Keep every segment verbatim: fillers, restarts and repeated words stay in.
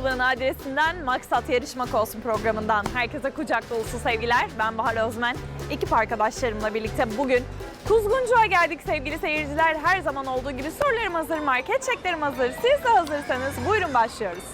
Hastalığı adresinden Maksat Yarışmak Olsun programından herkese kucak dolusu sevgiler. Ben Bahar Özmen. Ekip arkadaşlarımla birlikte bugün Kuzguncu'ya geldik sevgili seyirciler. Her zaman olduğu gibi sorularım hazır, market çeklerim hazır. Siz de hazırsanız buyurun başlıyoruz.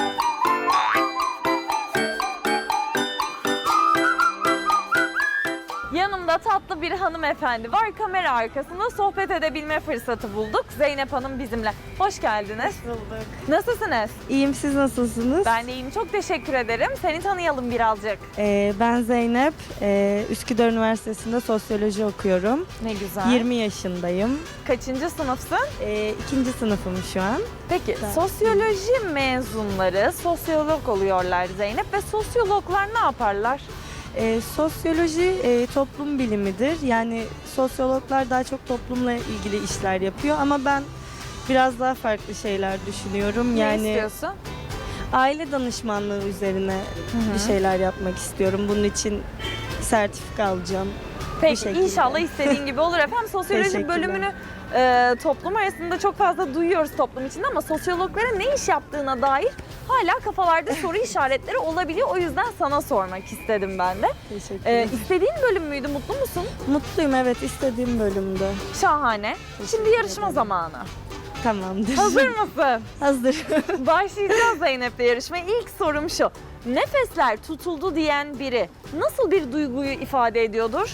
Yanımda tatlı bir hanımefendi var. Kamera arkasında sohbet edebilme fırsatı bulduk. Zeynep Hanım bizimle. Hoş geldiniz. Hoş bulduk. Nasılsınız? İyiyim, siz nasılsınız? Ben de iyiyim. Çok teşekkür ederim. Seni tanıyalım birazcık. Ee, ben Zeynep. Ee, Üsküdar Üniversitesi'nde sosyoloji okuyorum. Ne güzel. yirmi yaşındayım. Kaçıncı sınıfsın? Ee, ikinci sınıfım şu an. Peki Ben- sosyoloji mezunları sosyolog oluyorlar Zeynep ve sosyologlar ne yaparlar? Ee, sosyoloji e, toplum bilimidir. Yani sosyologlar daha çok toplumla ilgili işler yapıyor ama ben biraz daha farklı şeyler düşünüyorum. Ne Yani istiyorsun? aile danışmanlığı üzerine Hı hı. bir şeyler yapmak istiyorum. Bunun için sertifika alacağım. Peki şekilde. inşallah istediğin gibi olur efendim. Sosyoloji Teşekkürler. bölümünü e, toplum arasında çok fazla duyuyoruz toplum içinde ama sosyologların ne iş yaptığına dair hala kafalarda soru işaretleri olabiliyor. O yüzden sana sormak istedim ben de. Teşekkür E, ederim. istediğin bölüm müydü? Mutlu musun? Mutluyum, evet, istediğim bölümde. Şahane. Şimdi Teşekkür yarışma ederim. zamanı. Tamamdır. Hazır mısın? Hazır. Başlayacağız Zeynep'le yarışmaya. İlk sorum şu. Nefesler tutuldu diyen biri nasıl bir duyguyu ifade ediyordur?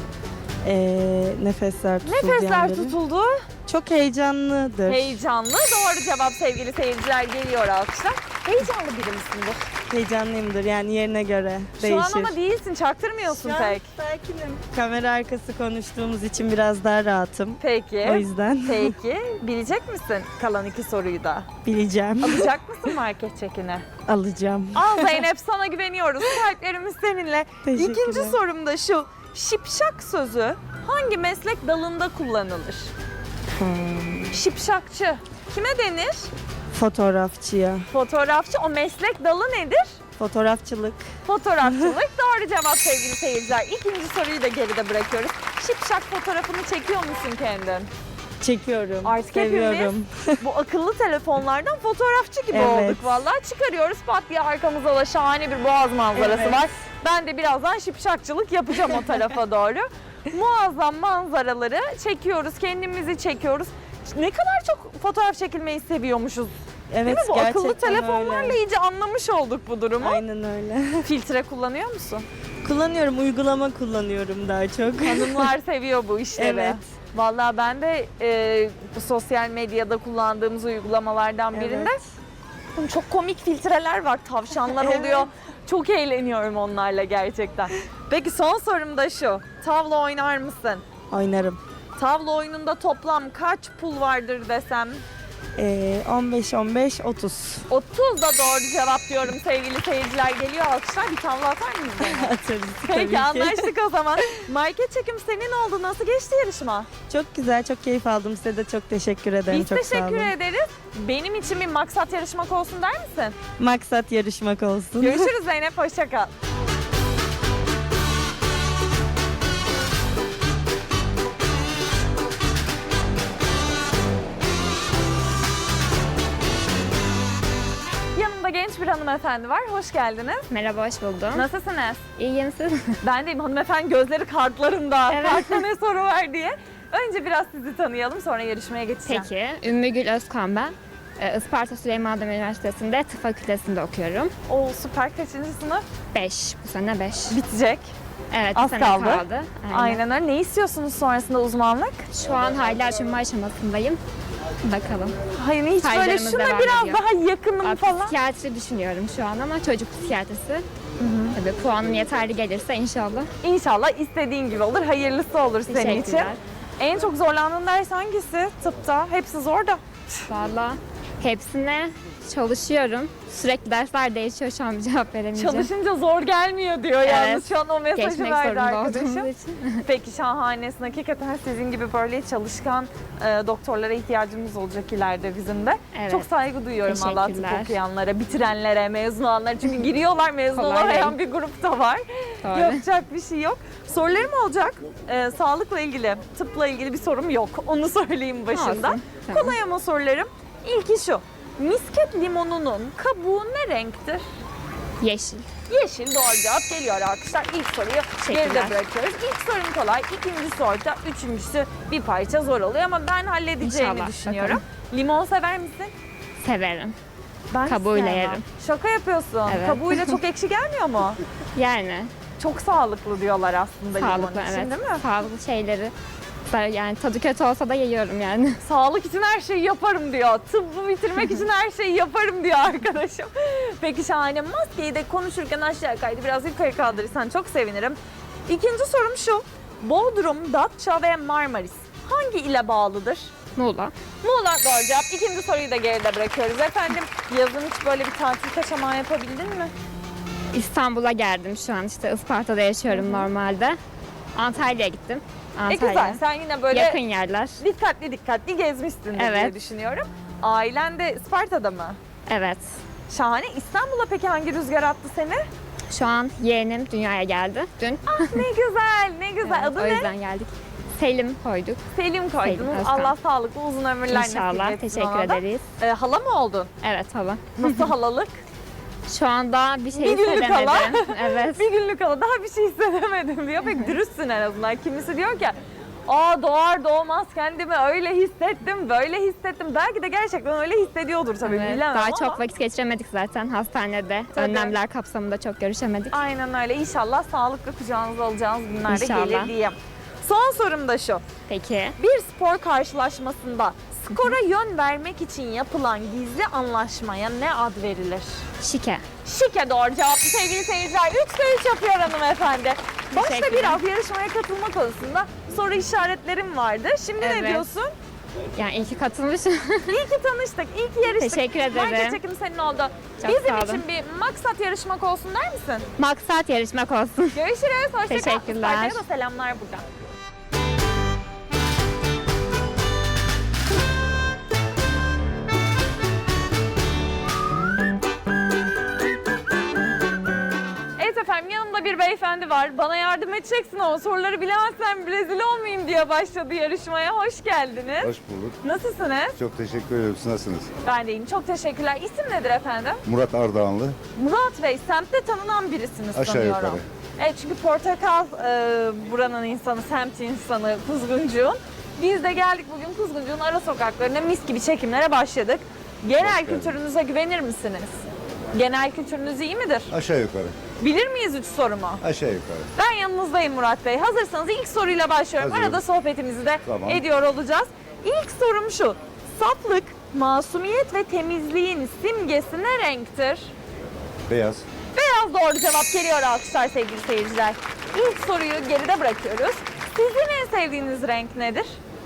Ee, nefesler tutuldu. Nefesler yani. tutuldu. Çok heyecanlıdır. Heyecanlı. Doğru cevap sevgili seyirciler, geliyor alkışlar. Heyecanlı biri misindir? Heyecanlıyımdır yani yerine göre Şu değişir. an ama değilsin, çaktırmıyorsun Şu an pek. sakinim. Kamera arkası konuştuğumuz için biraz daha rahatım. Peki. O yüzden Peki. Bilecek misin kalan iki soruyu da? bileceğim. Alacak mısın market çekini? Alacağım. Al Zeynep, sana güveniyoruz. Kalplerimiz seninle. Teşekkürler. İkinci sorum da şu. Şipşak sözü hangi meslek dalında kullanılır? Hmm. Şipşakçı. Kime denir? Fotoğrafçıya. Fotoğrafçı. O meslek dalı nedir? Fotoğrafçılık. Fotoğrafçılık. Doğru cevap sevgili seyirciler. İkinci soruyu da geride bırakıyoruz. Şipşak fotoğrafını çekiyor musun kendin? Çekiyorum. Artık Seviyorum. Bu akıllı telefonlardan fotoğrafçı gibi Evet. olduk vallahi. Çıkarıyoruz, pat diye arkamızda da şahane bir boğaz manzarası Evet. var. Ben de birazdan şipşakçılık yapacağım o tarafa doğru. Muazzam manzaraları çekiyoruz, kendimizi çekiyoruz. Ne kadar çok fotoğraf çekilmeyi seviyormuşuz. Evet, Değil mi? Bu gerçekten akıllı telefonlarla öyle. iyice anlamış olduk bu durumu. Aynen öyle. Filtre kullanıyor musun? Kullanıyorum, uygulama kullanıyorum daha çok. Hanımlar seviyor bu işleri. Evet. Vallahi ben de e, bu sosyal medyada kullandığımız uygulamalardan birinde Evet. çok komik filtreler var, tavşanlar Evet. oluyor. Çok eğleniyorum onlarla gerçekten. Peki son sorum da şu. Tavla oynar mısın? Oynarım. Tavla oyununda toplam kaç pul vardır desem? Ee, on beş on beş otuz. otuz da doğru cevap diyorum sevgili seyirciler. Geliyor alkışlar. Bir tavla atar mıyız? Atarız tabii Peki ki. anlaştık o zaman. Market çekim senin oldu. Nasıl geçti yarışma? Çok güzel, çok keyif aldım. Size de çok teşekkür ederim. Biz çok sağ teşekkür olun. ederiz. Benim için bir maksat yarışmak olsun der misin? Maksat yarışmak olsun. Görüşürüz Zeynep. Hoşça kal. Yanımda genç bir hanımefendi var. Hoş geldiniz. Merhaba, hoş buldum. Nasılsınız? İyiyim siz? Ben deyim, hanımefendi gözleri kartlarında. Evet. Kartta ne soru var diye. Önce biraz sizi tanıyalım, sonra yarışmaya geçeceğim. Peki, Ümmü Gül Özkan ben. Ee, Isparta Süleyman Demirel Üniversitesi'nde tıp fakültesinde okuyorum. Oo süper. Kaçıncı sınıf? beş, bu sene beş. Bitecek. Evet, az bir sene kaldı. kaldı. Aynen öyle. Ne istiyorsunuz sonrasında uzmanlık? Şu an hala açılma aşamasındayım. Bakalım. Hayır hiç böyle Stajlarımız şuna devam biraz ediyor. daha yakınım Aa, falan. Psikiyatri düşünüyorum şu an ama çocuk psikiyatrisi. Tabii puanım yeterli gelirse inşallah. İnşallah istediğin gibi olur. Hayırlısı olur senin için. Teşekkürler. En çok zorlandığın ders hangisi tıpta? Hepsi zor da. Valla hepsine çalışıyorum. Sürekli dersler değişiyor, şu an bir cevap veremeyeceğim. Çalışınca zor gelmiyor diyor Evet. yalnız. Şu an o mesajı Geçmek verdi zorunda arkadaşım. olduğumuz için. Peki şahanesin. Hakikaten sizin gibi böyle çalışkan e, doktorlara ihtiyacımız olacak ileride bizim de. Evet. Çok saygı duyuyorum Allah tıp Teşekkürler. okuyanlara, bitirenlere, mezun olanlara. Çünkü giriyorlar, mezun Kolay olamayan değil. bir grup da var. Doğru. Yapacak bir şey yok. Sorularım olacak. E, sağlıkla ilgili, tıpla ilgili bir sorum yok. Onu söyleyeyim başında. Olsun, tamam. Kolay ama sorularım. İlki şu. Misket limonunun kabuğu ne renktir? Yeşil. Yeşil doğru cevap geliyor arkadaşlar. İlk soruyu Teşekkürler. geride bırakıyoruz. İlk sorum kolay, ikincisi orta, üçüncüsü bir parça zor oluyor ama ben halledeceğimi İnşallah, düşünüyorum. bakalım. Limon sever misin? Severim. Ben Kabuğuyla sevmem. yerim. Şaka yapıyorsun. Evet. Kabuğuyla çok ekşi gelmiyor mu? Yani Çok sağlıklı diyorlar aslında limon sağlıklı, için evet. değil mi? Sağlıklı şeyleri. Yani tadı kötü olsa da yiyorum yani. Sağlık için her şeyi yaparım diyor. Tıbbı bitirmek için her şeyi yaparım diyor arkadaşım. Peki şahane. Maskeyi de konuşurken aşağı kaydı. Biraz yukarı kaldırırsan çok sevinirim. İkinci sorum şu. Bodrum, Datça ve Marmaris hangi ile bağlıdır? Muğla. Muğla doğru cevap. İkinci soruyu da geride bırakıyoruz efendim. Yazın hiç böyle bir tatil kaçamağı yapabildin mi? İstanbul'a geldim şu an, işte Isparta'da yaşıyorum normalde. Antalya'ya gittim. E Antalya. güzel. Sen yine böyle Yakın yerler. dikkatli dikkatli gezmişsindir diye Evet. düşünüyorum. Ailen de Isparta'da mı? Evet. Şahane. İstanbul'a peki hangi rüzgar attı seni? Şu an yeğenim dünyaya geldi dün. Ne güzel, ne güzel. Evet, Adı o ne? yüzden geldik. Selim koyduk. Selim koydunuz. Selim Özkan. Allah sağlıklı uzun ömürler İnşallah. nasip etsin Teşekkür ona da. ederiz. Ee, hala mı oldun? Evet hala. Nasıl halalık? Şu anda bir şey Bir günlük hissedemedim. hala. Evet. Bir günlük hala daha bir şey hissedemedim diyor. Pek dürüstsün en azından. Kimisi diyor ki aa doğar doğmaz kendimi öyle hissettim, böyle hissettim. Belki de gerçekten öyle hissediyordur tabii Evet, bilemem daha ama. çok vakit geçiremedik zaten hastanede. Tabii. Önlemler kapsamında çok görüşemedik. Aynen öyle. İnşallah sağlıklı kucağınıza alacağınız günlerde İnşallah. gelir diyeyim. Son sorum da şu. Peki. Bir spor karşılaşmasında skora yön vermek için yapılan gizli anlaşmaya ne ad verilir? Şike. Şike doğru cevaptı sevgili seyirciler. Üçte üç yapıyor hanımefendi. Başta Teşekkürler. biraz yarışmaya katılma konusunda soru işaretlerim vardı. Şimdi ne Evet. diyorsun? Yani iyi ki katılmışım. İyi ki tanıştık, iyi ki yarıştık. Teşekkür ederim. Market çekim senin oldu. Çok Bizim sağ olun. için bir maksat yarışmak olsun der misin? Maksat yarışmak olsun. Görüşürüz. Hoşça kal. Teşekkürler. Isparta'ya da selamlar buradan. Evet efendim yanımda bir beyefendi var. Bana yardım edeceksin ama soruları bilemezsem rezil olmayayım diye başladı yarışmaya. Hoş geldiniz. Hoş bulduk. Nasılsınız? Çok teşekkür ederim. Siz nasılsınız? Ben de iyiyim. Çok teşekkürler. İsim nedir efendim? Murat Ardahanlı. Murat Bey, semtte tanınan birisiniz Aşağı sanıyorum. yukarı. Evet çünkü Portakal e, buranın insanı, semt insanı Kuzguncuğun. Biz de geldik bugün Kuzguncuğun ara sokaklarına mis gibi çekimlere başladık. Genel Hoş geldin. kültürünüze güvenir misiniz? Genel kültürünüz iyi midir? Aşağı yukarı. Bilir miyiz üç sorumu? Aşağı yukarı. Ben yanınızdayım Murat Bey. Hazırsanız ilk soruyla başlıyorum. Hazırım. Arada sohbetimizi de Tamam. ediyor olacağız. İlk sorum şu. Saflık, masumiyet ve temizliğin simgesi ne renktir? Beyaz. Beyaz doğru cevap geliyor alkışlar sevgili seyirciler. İlk soruyu geride bırakıyoruz. Sizin en sevdiğiniz renk nedir?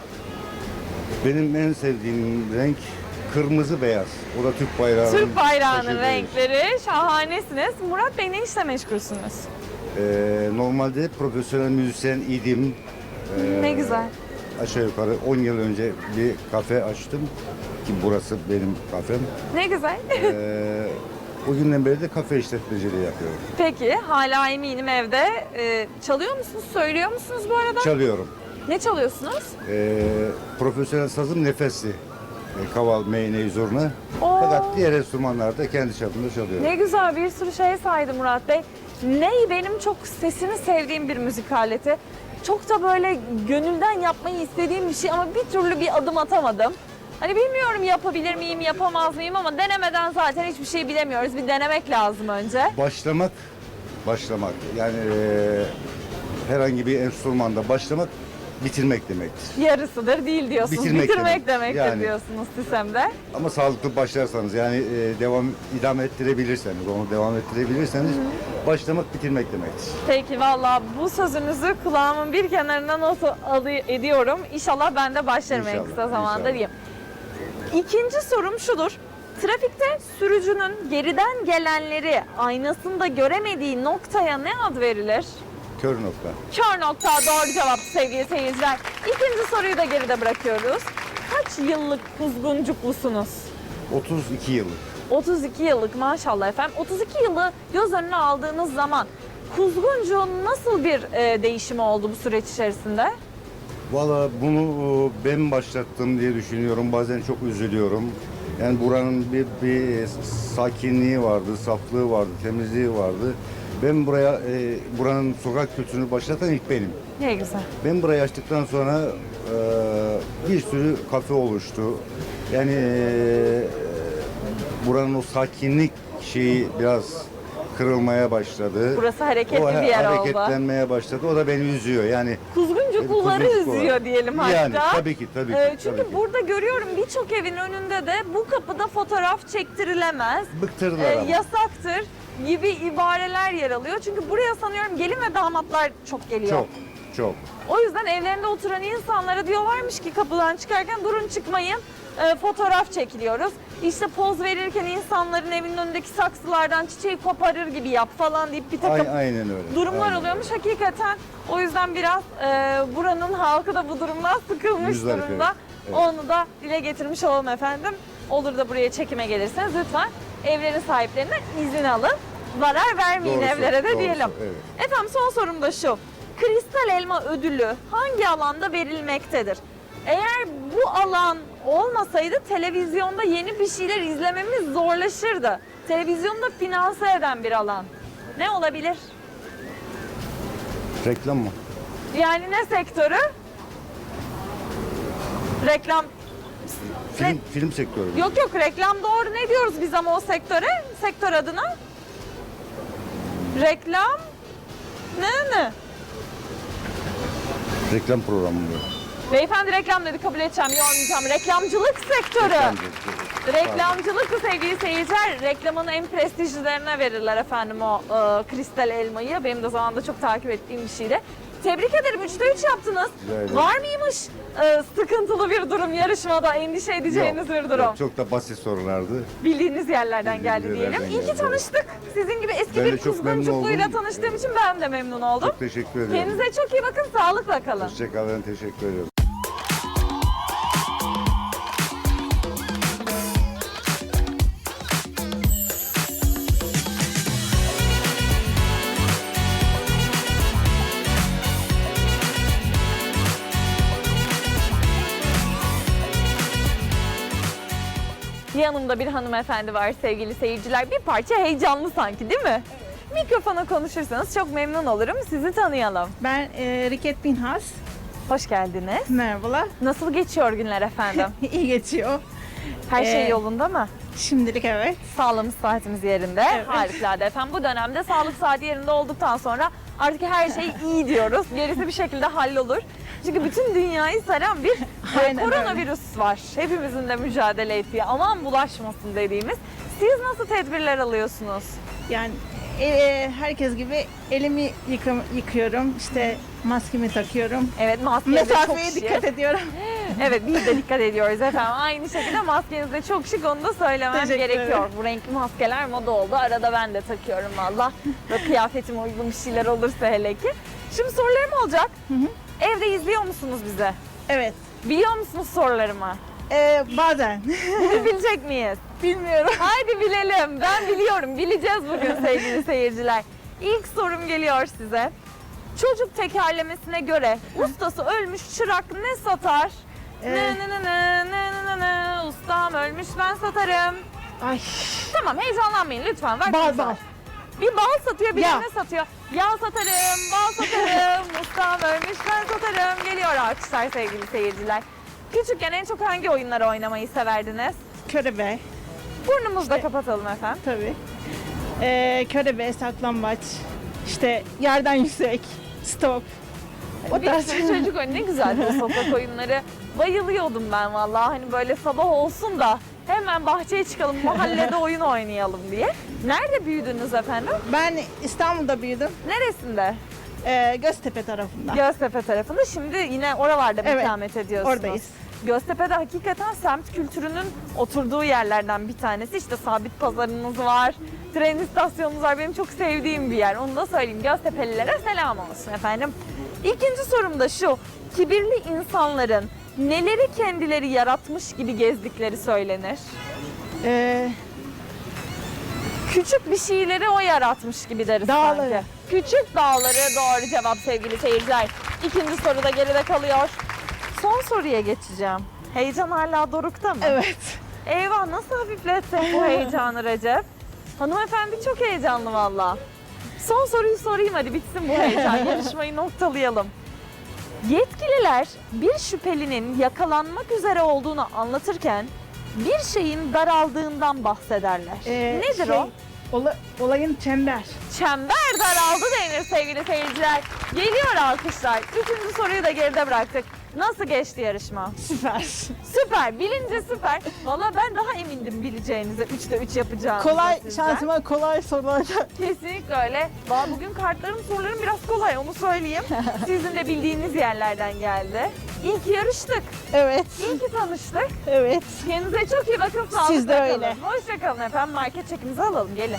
Benim en sevdiğim renk kırmızı beyaz. O da Türk bayrağının Türk bayrağının taşıdığı. renkleri. Şahanesiniz. Murat Bey ne işle meşgulsünüz? Ee, normalde profesyonel müzisyen idim. Ee, Ne güzel. Aşağı yukarı on yıl önce bir kafe açtım. Ki burası benim kafem. Ne güzel. Ee, o günden beri de kafe işletmeciliği yapıyorum. Peki hala eminim evde. Ee, çalıyor musunuz? Söylüyor musunuz bu arada? Çalıyorum. Ne çalıyorsunuz? Ee, profesyonel sazım nefesli. Ee, kaval, meyneyi, zurna. Oo. Fakat diğer enstrümanlarda kendi çapımda çalıyorum. Ne güzel bir sürü şey saydı Murat Bey. Ney benim çok sesini sevdiğim bir müzik aleti. Çok da böyle gönülden yapmayı istediğim bir şey ama bir türlü bir adım atamadım. Hani bilmiyorum yapabilir miyim, yapamaz mıyım ama denemeden zaten hiçbir şey bilemiyoruz. Bir denemek lazım önce. Başlamak, başlamak. Yani eee, herhangi bir enstrümanda başlamak bitirmek demektir. Yarısıdır değil diyorsunuz. Bitirmek Bitirmek, demek. demektir Yani. diyorsunuz Sisem'de. Ama sağlıklı başlarsanız yani eee, devam idame ettirebilirseniz, onu devam ettirebilirseniz başlamak bitirmek demektir. Peki valla bu sözünüzü kulağımın bir kenarına not alı- ediyorum. İnşallah ben de başlarım en İnşallah, kısa zamanda inşallah. diyeyim. İkinci sorum şudur. Trafikte sürücünün geriden gelenleri aynasında göremediği noktaya ne ad verilir? Kör nokta. Kör nokta doğru cevap sevgili seyirciler. İkinci soruyu da geride bırakıyoruz. Kaç yıllık kuzguncuklusunuz? otuz iki yıllık. otuz iki yıllık maşallah efendim. otuz iki yılı göz önüne aldığınız zaman kuzguncuğun nasıl bir e, değişimi oldu bu süreç içerisinde? Valla bunu eee, ben başlattım diye düşünüyorum. Bazen çok üzülüyorum. Yani buranın bir, bir sakinliği vardı, saflığı vardı, temizliği vardı. Ben buraya, e, buranın sokak kültürünü başlatan ilk benim. Ne güzel. Ben burayı açtıktan sonra e, bir sürü kafe oluştu. Yani e, buranın o sakinlik şeyi biraz kırılmaya başladı. Burası hareketli o, bir yer oldu. hareketlenmeye başladı. O da beni üzüyor. Yani Kuzguncu kulları Kuzguncu kulları. üzüyor diyelim hatta. Yani tabii ki, tabii ki, Ee, çünkü tabii ki. burada görüyorum birçok evin önünde de bu kapıda fotoğraf çektirilemez, bıktırdılar e, ama. yasaktır gibi ibareler yer alıyor. Çünkü buraya sanıyorum gelin ve damatlar çok geliyor. Çok, çok. O yüzden evlerinde oturan insanlara diyorlarmış ki kapıdan çıkarken durun çıkmayın, e, fotoğraf çekiliyoruz. İşte poz verirken insanların evinin önündeki saksılardan çiçeği koparır gibi yap falan deyip bir takım Ay- aynen öyle. durumlar Aynen. oluyormuş. Hakikaten o yüzden biraz e, buranın halkı da bu durumdan sıkılmış Yüzler durumda. evet, evet. Onu da dile getirmiş olalım efendim. Olur da buraya çekime gelirseniz lütfen evlerin sahiplerinden izin alın. Zarar vermeyin Doğrusu, evlere de doğrusu, diyelim. evet. Efendim son sorum da şu. Kristal Elma ödülü hangi alanda verilmektedir? Eğer bu alan olmasaydı televizyonda yeni bir şeyler izlememiz zorlaşırdı. Televizyonda finanse eden bir alan. Ne olabilir? Reklam mı? Yani ne sektörü? Reklam. Film, film sektörü mü? Yok yok reklam doğru. Ne diyoruz biz ama o sektöre? Sektör adına? Reklam. Ne ne? Reklam programı mı? Beyefendi reklam dedi kabul edeceğim, yormayacağım. Reklamcılık sektörü. Reklam. Reklamcılık sevgili seyirciler, reklamın en prestijlilerine verirler efendim o e, kristal elmayı. Benim de zamanında çok takip ettiğim bir şeydi. Tebrik ederim. Üçte üç yaptınız. Rica ederim. Var mıymış e, sıkıntılı bir durum yarışmada, endişe edeceğiniz bir durum? Yok, çok da basit sorulardı. Bildiğiniz yerlerden Bildiğimiz geldi diyelim. yerlerden İyi ki geldi. tanıştık. Sizin gibi eski Ben de bir çok memnun kuzguncukluyla oldum. tanıştığım için ben de memnun oldum. Çok teşekkür ederim. Kendinize çok iyi bakın. Sağlıkla kalın. Hoşçakalın, teşekkür ediyorum. Yanımda bir hanımefendi var sevgili seyirciler. Bir parça heyecanlı sanki değil mi? Mikrofona konuşursanız çok memnun olurum. Sizi tanıyalım. Ben e, Riket Pinhas. Hoş geldiniz. Merhabalar. Nasıl geçiyor günler efendim? İyi geçiyor. Her şey Ee, yolunda mı? Şimdilik evet. Sağlığımız saatimiz yerinde. Evet. Harikulade efendim. Bu dönemde sağlık saati yerinde olduktan sonra artık her şey iyi diyoruz. Gerisi bir şekilde hallolur. Çünkü bütün dünyayı saran bir Aynen koronavirüs var. Hepimizin de mücadele ettiği, aman bulaşmasın dediğimiz. Siz nasıl tedbirler alıyorsunuz? Yani e, e, herkes gibi elimi yıkam, yıkıyorum. İşte maskemi takıyorum. Evet, maskeniz de çok Mesafeye şık. dikkat ediyorum. Evet, biz de dikkat ediyoruz efendim. Aynı şekilde maskeniz de çok şık, onu da söylemem Teşekkür gerekiyor. ederim. Bu renkli maskeler moda oldu. Arada ben de takıyorum valla. Böyle kıyafetime uygun bir şeyler olursa hele ki. Şimdi sorularım olacak. Evde izliyor musunuz bizi? Evet. Biliyor musunuz sorularımı? E, bazen. Bunu bilecek miyiz? Bilmiyorum. Haydi bilelim. Ben biliyorum. Bileceğiz bugün sevgili seyirciler. İlk sorum geliyor size. Çocuk tekerlemesine göre ustası ölmüş çırak ne satar? Ne Ee. ne ne ne ne ne ne ustam ölmüş ben satarım. Ay. Tamam heyecanlanmayın lütfen. Vaktiniz Bal var. bal. Bir bal satıyor, bir Yağ. ne satıyor? Yağ satarım, bal satarım, ustam ölmüş ben satarım. Geliyor alkışlar sevgili seyirciler. Küçükken en çok hangi oyunları oynamayı severdiniz? Körebe. Burnumuzu da kapatalım efendim. Tabii. E, körebe, saklambaç. İşte yerden yüksek. Stop. O Bir tarz. sürü çocuk oyunu ne güzeldi o sokak oyunları. Bayılıyordum ben vallahi hani böyle sabah olsun da hemen bahçeye çıkalım mahallede oyun oynayalım diye. Nerede büyüdünüz efendim? Ben İstanbul'da büyüdüm. Neresinde? E, Göztepe tarafında. Göztepe tarafında. Şimdi yine oralarda mı Evet, ikamet ediyorsunuz? oradayız. Göztepe'de hakikaten semt kültürünün oturduğu yerlerden bir tanesi. İşte sabit pazarınız var, tren istasyonunuz var. Benim çok sevdiğim bir yer. Onu da söyleyeyim. Göztepe'lilere selam olsun efendim. İkinci sorum da şu. Kibirli insanların neleri kendileri yaratmış gibi gezdikleri söylenir? E, Küçük bir şeyleri o yaratmış gibi deriz Dağları. sanki. Küçük dağları doğru cevap sevgili seyirciler. İkinci soru da geride kalıyor. Son soruya geçeceğim. Heyecan hala dorukta mı? evet. Eyvah, nasıl hafifletsek bu heyecanı Recep? Hanımefendi çok heyecanlı valla. Son soruyu sorayım hadi bitsin bu heyecan. Yarışmayı noktalayalım. Yetkililer bir şüphelinin yakalanmak üzere olduğunu anlatırken bir şeyin daraldığından bahsederler. Ee, Nedir şey, o? ola- olayın çember. Çember daraldı denir sevgili seyirciler. Geliyor alkışlar. Üçüncü soruyu da geride bıraktık. Nasıl geçti yarışma? Süper. Süper, bilince süper. Valla ben daha emindim bileceğinize, üçte üç yapacağınızı Kolay, sizden. şansıma kolay sorular. Kesinlikle öyle. Valla bugün kartlarım, sorularım biraz kolay, onu söyleyeyim. Sizin de bildiğiniz yerlerden geldi. İyi ki yarıştık, Evet, iyi ki tanıştık. evet. Kendinize çok iyi bakın, sağlıkla Siz de kalın. öyle. Hoşçakalın efendim, market çekimizi alalım, gelin.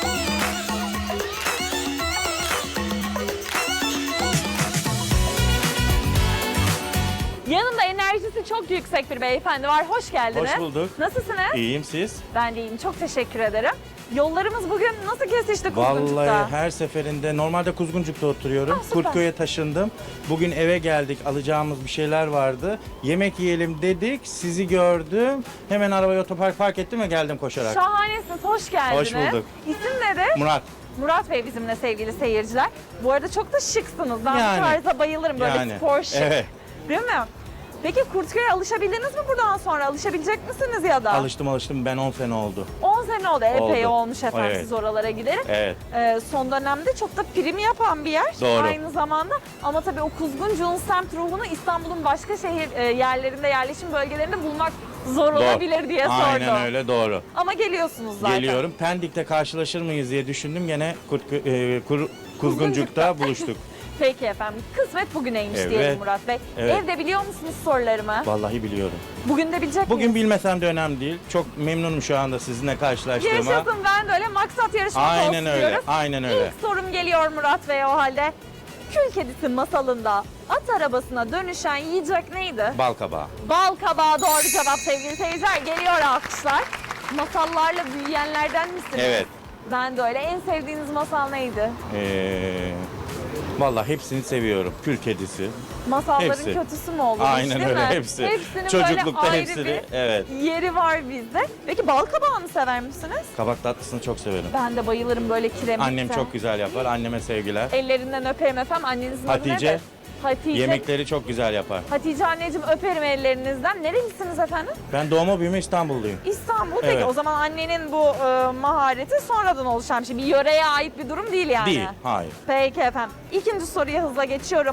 Yanımda enerjisi çok yüksek bir beyefendi var. Hoş geldiniz. Hoş bulduk. Nasılsınız? İyiyim siz? Ben de iyiyim. Çok teşekkür ederim. Yollarımız bugün nasıl kesişti Kuzguncuk'ta? Vallahi her seferinde normalde Kuzguncuk'ta oturuyorum. Ah, süper. Kurtköy'e taşındım. Bugün eve geldik. Alacağımız bir şeyler vardı. Yemek yiyelim dedik. Sizi gördüm. Hemen arabayı otopark park ettim ve geldim koşarak. Şahanesiniz. Hoş geldiniz. Hoş bulduk. İsim nedir? Murat. Murat Bey bizimle sevgili seyirciler. Bu arada çok da şıksınız. Ben Yani. bu tarza bayılırım. Böyle Yani. spor şık. Evet. Değil mi? Peki Kurtköy'e alışabildiniz mi buradan sonra? Alışabilecek misiniz ya da? Alıştım alıştım. Ben on sene oldu. on sene oldu. Epey Oldu. olmuş efendim Evet. siz oralara gidelim. Evet. Ee, son dönemde çok da prim yapan bir yer Doğru. aynı zamanda. Ama tabii o Kuzguncuk'un semt ruhunu İstanbul'un başka şehir e, yerlerinde, yerleşim bölgelerinde bulmak zor Doğru. olabilir diye sordum. Aynen öyle doğru. Ama geliyorsunuz zaten. Geliyorum. Pendik'te karşılaşır mıyız diye düşündüm. Gene Kurtkö- e, Kur- Kuzguncuk'ta buluştuk. Peki efendim. Kısmet bugüneymiş Evet. diyelim Murat Bey. Evet. Evde biliyor musunuz sorularımı? Vallahi biliyorum. Bugün de bilecek Bugün miyiz? bilmesem de önemli değil. Çok memnunum şu anda sizinle karşılaştığıma. Yaşasın, ben de öyle, maksat yarışmak olsun Aynen öyle. diyoruz. Aynen öyle. İlk sorum geliyor Murat Bey o halde. Kül kedisi masalında at arabasına dönüşen yiyecek neydi? Bal kabağı. Bal kabağı doğru cevap sevgili seyirciler. Geliyor alkışlar. Masallarla büyüyenlerden misiniz? Evet. Ben de öyle. En sevdiğiniz masal neydi? Ee, vallahi hepsini seviyorum. Kül kedisi. Masalların Hepsi. kötüsü mü olur? Aynen değil öyle mi? hepsi. Hepsinin Çocuklukta böyle ayrı hepsini. bir Evet. yeri var bizde. Peki bal kabağını sever misiniz? Kabak tatlısını çok severim. Ben de bayılırım böyle kiremitte. Annem çok güzel yapar. Anneme sevgiler. Ellerinden öperim efendim. Annenizin adı Hatice. nedir? Hatice. Yemekleri çok güzel yapar. Hatice anneciğim, öperim ellerinizden. Nerelisiniz efendim? Ben doğma büyüme İstanbulluyum. İstanbul. Peki Evet. o zaman annenin bu e, mahareti sonradan oluşan bir şey. Bir yöreye ait bir durum değil yani. Değil. Hayır. Peki efendim. İkinci soruya hızla geçiyorum.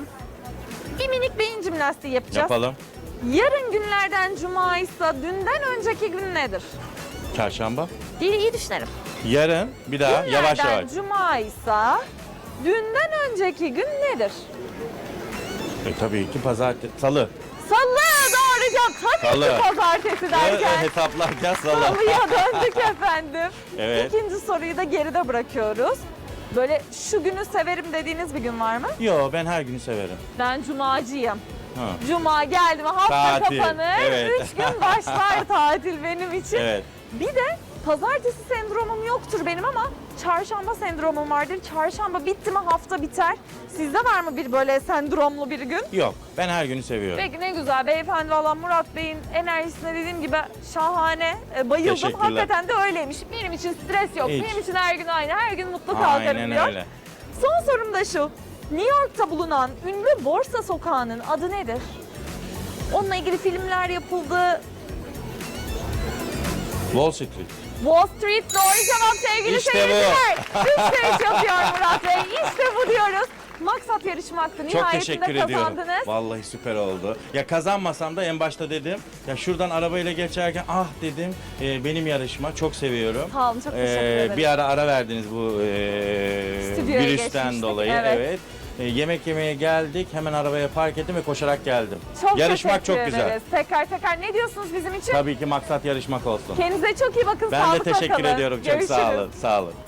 Bir minik beyin jimnastiği yapacağız. Yapalım. Yarın günlerden cuma ise dünden önceki gün nedir? Çarşamba. İyi, iyi düşünelim. Yarın bir daha yavaş Günlerden yavaş. cuma ise dünden önceki gün nedir? E, tabii ki pazartesi. Salı. Salı doğru cevap. Tabii Salı. ki pazartesi derken. E, hesaplarken salı. Salıya döndük efendim. Evet. İkinci soruyu da geride bırakıyoruz. Böyle şu günü severim dediğiniz bir gün var mı? Yo, ben her günü severim. Ben cumacıyım. Ha. Cuma geldi mi hafta Tatil, kapanır. evet. Üç gün başlar tatil benim için. Evet. Bir de pazartesi sendromum yoktur benim ama çarşamba sendromum vardır. Çarşamba bitti mi hafta biter. Sizde var mı bir böyle sendromlu bir gün? Yok, ben her günü seviyorum. Peki ne güzel beyefendi, valla Murat Bey'in enerjisine dediğim gibi şahane. E, bayıldım. Teşekkürler. Hakikaten de öyleymiş. Benim için stres yok. Hiç. Benim için her gün aynı. Her gün mutlu kalkarım Aynen diyor. öyle. Son sorum da şu. New York'ta bulunan ünlü borsa sokağının adı nedir? Onunla ilgili filmler yapıldı. Wall Street. Wall Street doğru cevap sevgili İşte bu. seyirciler. Üçte üç yapıyor Murat Bey. İşte bu diyoruz. Maksat yarışmaktı. Çok Nihayetinde teşekkür ediyorum. kazandınız. Vallahi süper oldu. Ya kazanmasam da en başta dedim. Ya şuradan arabayla geçerken ah dedim. e, benim yarışma çok seviyorum. Sağ olun, çok teşekkür Ee, ederim. Bir ara ara verdiniz bu e, Stüdyoya virüsten geçmiştik, dolayı. evet. Evet. E, yemek yemeye geldik. Hemen arabaya park ettim ve koşarak geldim. Çok Yarışmak teşekkür çok güzel. ederiz. Tekrar tekrar ne diyorsunuz bizim için? Tabii ki maksat yarışmak olsun. Kendinize çok iyi bakın. Ben de sağlıkla teşekkür kalın. ediyorum. Çok sağ Görüşürüz. olun. Sağ olun.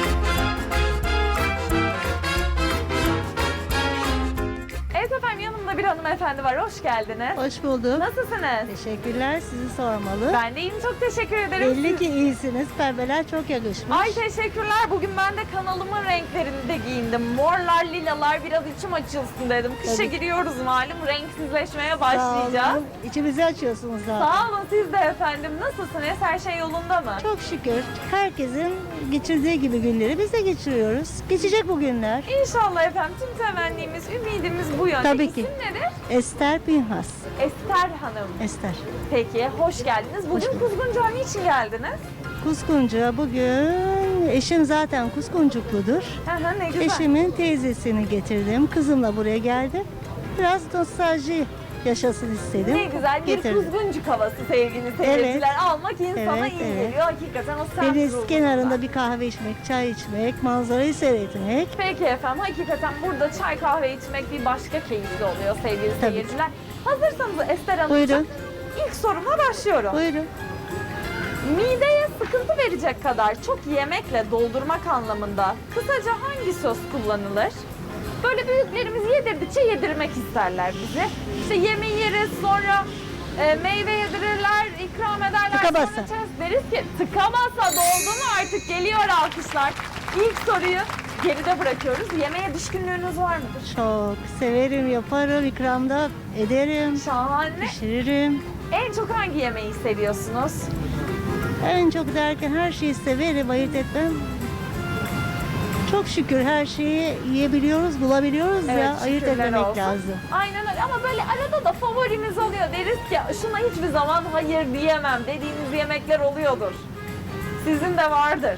Evet efendim, yanımda bir hanımefendi var. Hoş geldiniz. Hoş bulduk. Nasılsınız? Teşekkürler. Sizi sormalı. Ben de iyiyim. Çok teşekkür ederim. Belli Siz- ki iyisiniz. Pembeler çok yakışmış. Ay teşekkürler. Bugün ben de kanalımın renklerinde giyindim. Morlar, lilalar biraz içim açılsın dedim. Kışa Tabii. giriyoruz malum. Renksizleşmeye Sağ başlayacağız. olun. İçimizi açıyorsunuz zaten. Sağ olun siz de efendim. Nasılsınız? Her şey yolunda mı? Çok şükür. Herkesin geçirdiği gibi günleri biz de geçiriyoruz. Geçecek bu günler. İnşallah efendim. Tüm temennimiz, ümidimiz bu yönde. Tabii ki. İsim nedir? Ester Pinhas. Ester Hanım. Ester. Peki, hoş geldiniz. Bugün bulduk. Kuzguncu'ya niçin geldiniz? Kuskuncu'ya bugün eşim zaten Kuskuncukludur. Hı hı, ne güzel. Eşimin teyzesini getirdim. Kızımla buraya geldim. Biraz nostalji yaşasın istedim. Ne güzel bir Getirdim. Kuzguncuk havası sevgili seyirciler. Almak insana Evet, iyi evet. geliyor. Hakikaten o semt Deniz ruhunda. kenarında bir kahve içmek, çay içmek, manzarayı seyretmek. Peki efendim, hakikaten burada çay kahve içmek bir başka keyifli oluyor sevgili Tabii. seyirciler. Hazırsanız Ester Hanımcığım, Buyurun. ilk sorumla başlıyorum. Buyurun. Mideye sıkıntı verecek kadar çok yemekle doldurmak anlamında kısaca hangi söz kullanılır? Böyle büyüklerimiz yedirdikçe yedirmek isterler bizi. İşte yemeği yeriz, sonra e, meyve yedirirler, ikram ederler. Tıka sonra basa. içeriz. Deriz ki tıka basa doldu mu artık, geliyor alkışlar. İlk soruyu geride bırakıyoruz. Yemeğe düşkünlüğünüz var mıdır? Çok severim, yaparım, ikramda ederim, Şahane. pişiririm. En çok hangi yemeği seviyorsunuz? En çok derken her şeyi severim, ayırt etmem. Çok şükür her şeyi yiyebiliyoruz, bulabiliyoruz Evet, ya. Ayırt şükürler etmemek olsun. lazım. Aynen öyle, ama böyle arada da favorimiz oluyor. Deriz ki şuna hiçbir zaman hayır diyemem dediğiniz yemekler oluyordur. Sizin de vardır.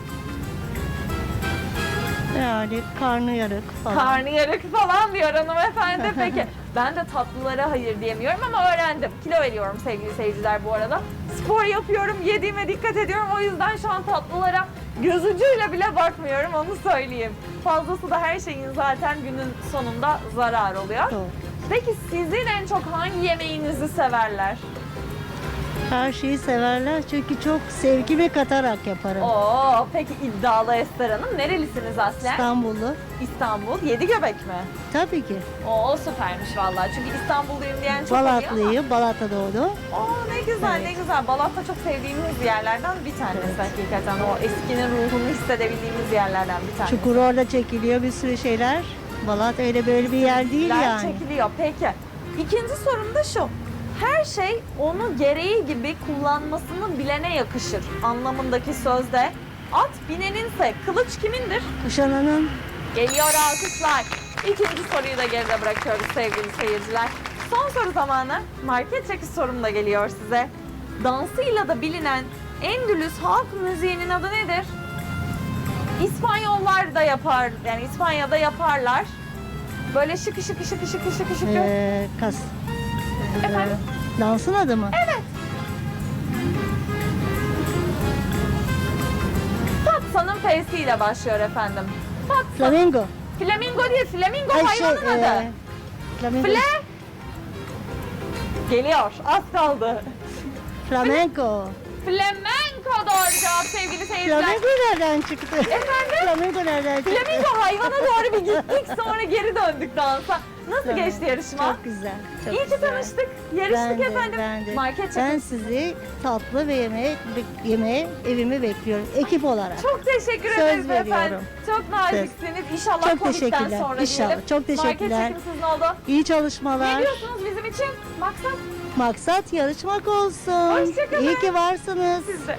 Yani karnıyarık falan. Karnıyarık falan diyor hanımefendi. Peki ben de tatlılara hayır diyemiyorum ama öğrendim. Kilo veriyorum sevgili seyirciler bu arada. Spor yapıyorum, yediğime dikkat ediyorum. O yüzden şu an tatlılara göz ucuyla bile bakmıyorum, onu söyleyeyim. Fazlası da her şeyin zaten günün sonunda zarar oluyor. Doğru. Peki sizin en çok hangi yemeğinizi severler? Her şeyi severler çünkü çok sevgimi katarak yaparım. Oo, peki iddialı Ester Hanım. Nerelisiniz aslen? İstanbullu. İstanbul. Yedi göbek mi? Tabii ki. Oo, süpermiş vallahi. Çünkü İstanbulluyum diyen çok oluyor ama. Balatlıyım, Balat'ta doğdum. Oo, ne güzel, Evet. ne güzel. Balat'ta çok sevdiğimiz yerlerden bir tanesi hakikaten. O eskinin ruhunu hissedebildiğimiz yerlerden bir tanesi. Çukur orada çekiliyor bir sürü şeyler. Balat öyle böyle bir yer değil Ler yani. çekiliyor. Peki. İkinci sorum da şu. Her şey onu gereği gibi kullanmasını bilene yakışır anlamındaki sözde at bineninse kılıç kimindir? Kuşananın Geliyor alkışlar. İkinci soruyu da geride bırakıyoruz sevgili seyirciler. Son soru zamanı. Market çekiş sorum da geliyor size. Dansıyla da bilinen Endülüs halk müziğinin adı nedir? İspanyollar da yapar, yani İspanya'da yaparlar. Böyle şıkı şıkı şıkı şıkı şıkı şıkı. ee, kas. Efendim? Dansın adı mı? Evet. Fatsa'nın F'siyle başlıyor efendim. Fatsa. Flamingo. Flamingo değil, flamingo Ay, hayvanın adı. ee, Flamingo. Fle. Geliyor, az kaldı. Flamenco. Flamenco doğru cevap sevgili seyirciler. Flamingo nereden çıktı? Efendim? Flamingo nereden çıktı? Flamingo hayvana doğru bir gittik, sonra geri döndük dansa. Nasıl Tamam. geçti yarışma? Çok güzel. Çok İyi ki güzel. tanıştık. Yarıştık Ben de, efendim. ben de. Market Ben çekimi. sizi tatlı ve yemeğe, yemeğe evimi bekliyorum. Ekip olarak. Çok teşekkür Söz ederiz efendim. veriyorum. Çok naziksiniz. İnşallah Çok Covid'den teşekkürler. sonra İnşallah. diyelim. Çok teşekkürler. Market çekim sizin oldu. İyi Ne çalışmalar. diyorsunuz bizim için? Maksat Maksat yarışmak olsun. Hoşça kalın. İyi ki varsınız. sizde.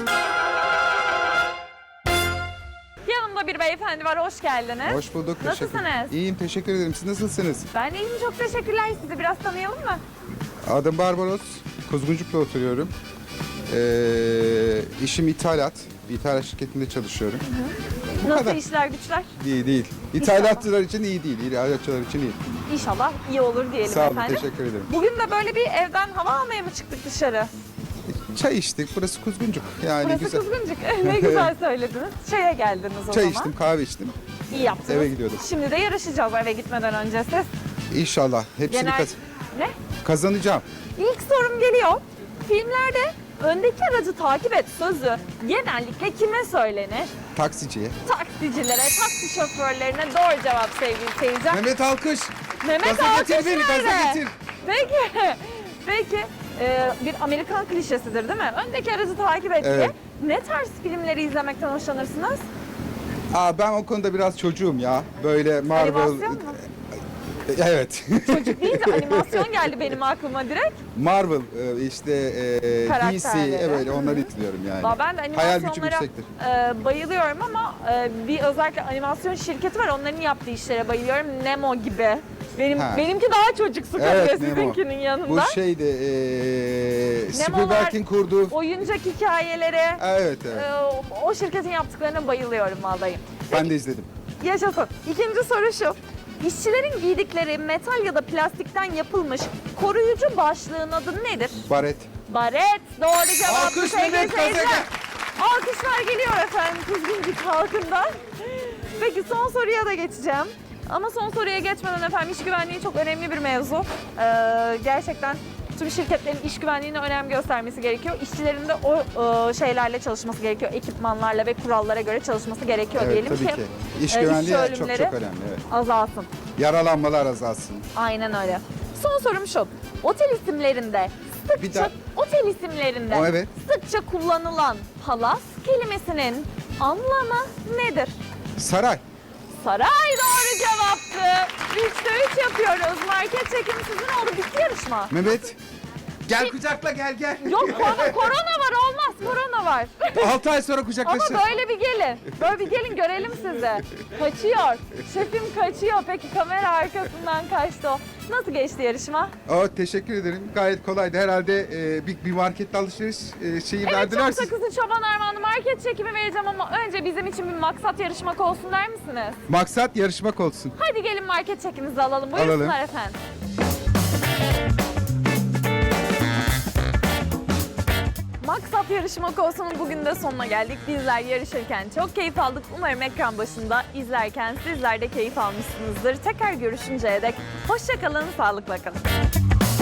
Yanımda bir beyefendi var. Hoş geldiniz. Hoş bulduk. teşekkür- Nasılsınız? İyiyim, teşekkür ederim. Siz nasılsınız? Ben de iyiyim. Çok teşekkürler. Sizi biraz tanıyalım mı? Adım Barbaros. Kuzguncuk'ta oturuyorum. Ee, işim ithalat. Bir ithalat şirketinde çalışıyorum. Bu Nasıl kadar. işler güçler? İyi değil. İthalatçılar için iyi değil. İthalatçılar için iyi. İnşallah iyi olur diyelim Sağ olun, efendim. teşekkür ederim. Bugün de böyle bir evden hava almaya mı çıktık dışarı? Çay içtik. Burası Kuzguncuk. Yani Burası güzel. Kuzguncuk. Ne güzel söylediniz. Çaya geldiniz o Çay zaman. içtim, kahve içtim. İyi yaptınız. Eve gidiyordum. Şimdi de yarışacağız eve gitmeden önce siz. İnşallah. Hepsini Genel... kaz- Ne? kazanacağım. İlk sorum geliyor. Filmlerde öndeki aracı takip et sözü genellikle kime söylenir? Taksiciye. Taksicilere, taksi şoförlerine doğru cevap sevgili seyirciler. Mehmet Alkış. Mehmet Gaza alkış getir beni, gaza nerede? getir. Peki, peki e, bir Amerikan klişesidir değil mi? Öndeki aracı takip et diye. Evet. Ne tarz filmleri izlemekten hoşlanırsınız? Aa, ben o konuda biraz çocuğum ya. Böyle Marvel... Animasyon mu? Evet. Çocuk deyince animasyon geldi benim aklıma direkt. Marvel e, işte e, D C Karakterleri. evet onları izliyorum yani. Valla ben de Hayal gücüm animasyonlara yüksektir. e, bayılıyorum ama e, bir özellikle animasyon şirketi var. Onların yaptığı işlere bayılıyorum. Nemo gibi. Benim Ha. benimki daha çocuksu kalıyor Evet, Nemo. sizinkinin Bu yanında. şeyde e, Nemolar- Spielberg'in kurduğu... Oyuncak hikayeleri. Evet evet. e, o- o şirketin yaptıklarına bayılıyorum vallahi. Ben de izledim. Yaşasın. İkinci soru şu. İşçilerin giydikleri metal ya da plastikten yapılmış koruyucu başlığın adı nedir? Baret. Baret. Doğru cevap. Alkış sevgili Mehmet seyirciler. Kazega. Alkışlar geliyor efendim Kuzguncuk halkından. Peki son soruya da geçeceğim. Ama son soruya geçmeden efendim iş güvenliği çok önemli bir mevzu. Ee, gerçekten tüm şirketlerin iş güvenliğine önem göstermesi gerekiyor. İşçilerin de o e, şeylerle çalışması gerekiyor. Ekipmanlarla ve kurallara göre çalışması gerekiyor Evet diyelim tabii ki. ki. İş e, güvenliği çok ölümleri çok önemli. Evet. azalsın. Yaralanmalar azalsın. Aynen öyle. Son sorum şu. Otel isimlerinde Bir sıkça daha- otel isimlerinde O, evet. sıkça kullanılan palas kelimesinin anlamı nedir? Saray. Saray doğru cevaptı. Üçte üç yapıyoruz. Market çekimi sizin oldu. Bitti yarışma. Mehmet. Gel kucakla gel gel. Yok korona, korona var olmaz. Korona var. altı ay sonra Ama kucaklaşır. böyle bir gelin. Böyle bir gelin görelim sizi. Kaçıyor. Şefim kaçıyor. Peki kamera arkasından kaçtı o. Nasıl geçti yarışma? Aa, teşekkür ederim. Gayet kolaydı. Herhalde e, bir, bir markette alışveriş e, şeyi Evet verdiler. çok sakızlı çoban armağanı market çekimi vereceğim ama önce bizim için bir maksat yarışmak olsun der misiniz? Maksat yarışmak olsun. Hadi gelin market çekimizi alalım. Buyursunlar Alalım. efendim. Maksat yarışmak olsunun bugün de sonuna geldik. Bizler yarışırken çok keyif aldık. Umarım ekran başında izlerken sizler de keyif almışsınızdır. Tekrar görüşünceye dek hoşça kalın, sağlıkla kalın.